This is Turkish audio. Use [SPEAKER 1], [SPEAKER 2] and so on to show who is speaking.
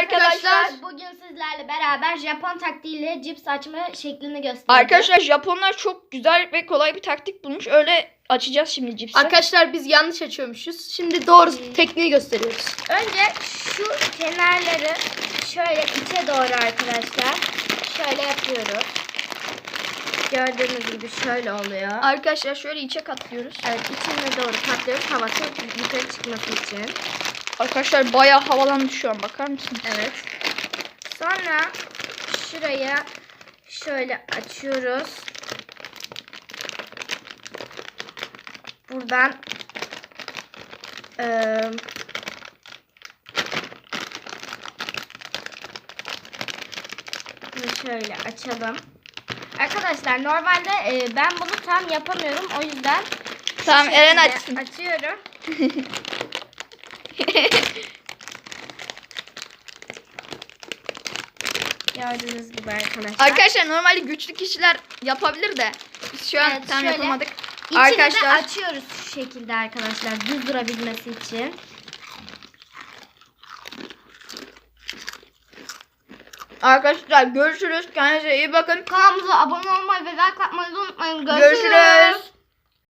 [SPEAKER 1] arkadaşlar.
[SPEAKER 2] Bugün sizlerle beraber Japon taktiğiyle cips açma şeklini göstereceğiz.
[SPEAKER 1] Arkadaşlar Japonlar çok güzel ve kolay bir taktik bulmuş. Öyle açacağız şimdi cipsi.
[SPEAKER 3] Arkadaşlar biz yanlış açıyormuşuz. Şimdi doğru tekniği gösteriyoruz.
[SPEAKER 2] Önce şu kenarları şöyle içe doğru arkadaşlar. Şöyle yapıyoruz. Gördüğünüz gibi şöyle oluyor.
[SPEAKER 1] Arkadaşlar şöyle içe katlıyoruz.
[SPEAKER 2] Evet, içine doğru katlıyoruz havası yukarı çıkması için.
[SPEAKER 1] Arkadaşlar bayağı havalandı şu an, bakar mısınız?
[SPEAKER 2] Evet. Sonra şuraya şöyle açıyoruz. Buradan şöyle açalım. Arkadaşlar normalde ben bunu tam yapamıyorum. O yüzden
[SPEAKER 1] Tamam, Eren açsın.
[SPEAKER 2] Açıyorum. Gördüğünüz gibi arkadaşlar.
[SPEAKER 1] Arkadaşlar normalde güçlü kişiler yapabilir de biz şu an
[SPEAKER 2] Evet,
[SPEAKER 1] tam
[SPEAKER 2] şöyle
[SPEAKER 1] yapamadık.
[SPEAKER 2] İçini
[SPEAKER 1] Arkadaşlar
[SPEAKER 2] de açıyoruz şu şekilde arkadaşlar, düz durabilmesi için.
[SPEAKER 1] Arkadaşlar görüşürüz. Kendinize iyi bakın.
[SPEAKER 2] Kanalımıza abone olmayı ve like atmayı unutmayın.
[SPEAKER 1] Görüşürüz.